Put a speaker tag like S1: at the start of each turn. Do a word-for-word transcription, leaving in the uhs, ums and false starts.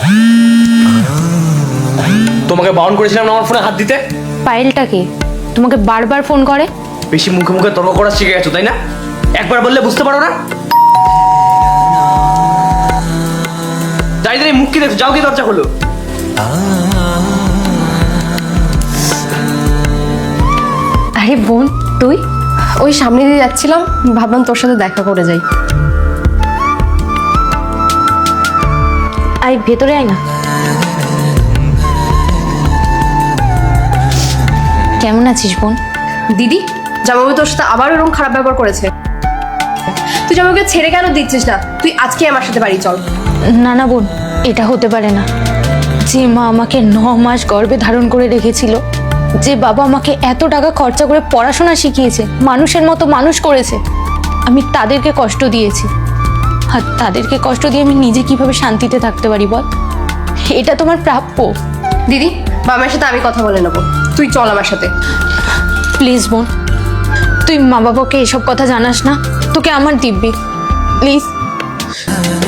S1: তোমাকে বারণ করেছিলাম না আমার ফোনে হাত দিতে।
S2: পায়েলটা কে? তোমাকে বারবার ফোন করে?
S1: বেশি মুখে মুখে তর্ক করা শিখে গেছো তাই না? একবার বললে বুঝতে পারো না? যাই যাই মুখ কি দেখছো, যাও কি দরজা হলো।
S2: আরে বোন তুই?
S3: ওই সামনে দিয়ে যাচ্ছিলাম, ভাবলাম তোর সাথে দেখা করে যাই।
S2: আয় ভেতরে আয় না। কেমন আছিস বোন?
S3: দিদি, জামাইবাবু তোর সাথে আবার এরকম খারাপ ব্যবহার করেছে। তুই জামাইকে ছেড়ে কেন দিচ্ছিস না? তুই আজকে আমার সাথে বাড়ি চল।
S2: না না বোন, এটা হতে পারে না। যে মা আমাকে ন মাস গর্ভে ধারণ করে রেখেছিল, যে বাবা আমাকে এত টাকা খরচা করে পড়াশোনা শিখিয়েছে, মানুষের মতো মানুষ করেছে, আমি তাদেরকে কষ্ট দিয়েছি। আর তাদেরকে কষ্ট দিয়ে আমি নিজে কিভাবে শান্তিতে থাকতে পারি বল? এটা তোমার প্রাপ্য।
S3: দিদি, বাবার সাথে আমি কথা বলে নেবো, তুই চল আমার সাথে।
S2: প্লিজ বোন, তুই মা বাবাকে এসব কথা জানাস না, তোকে আমার দিব্যি, প্লিজ।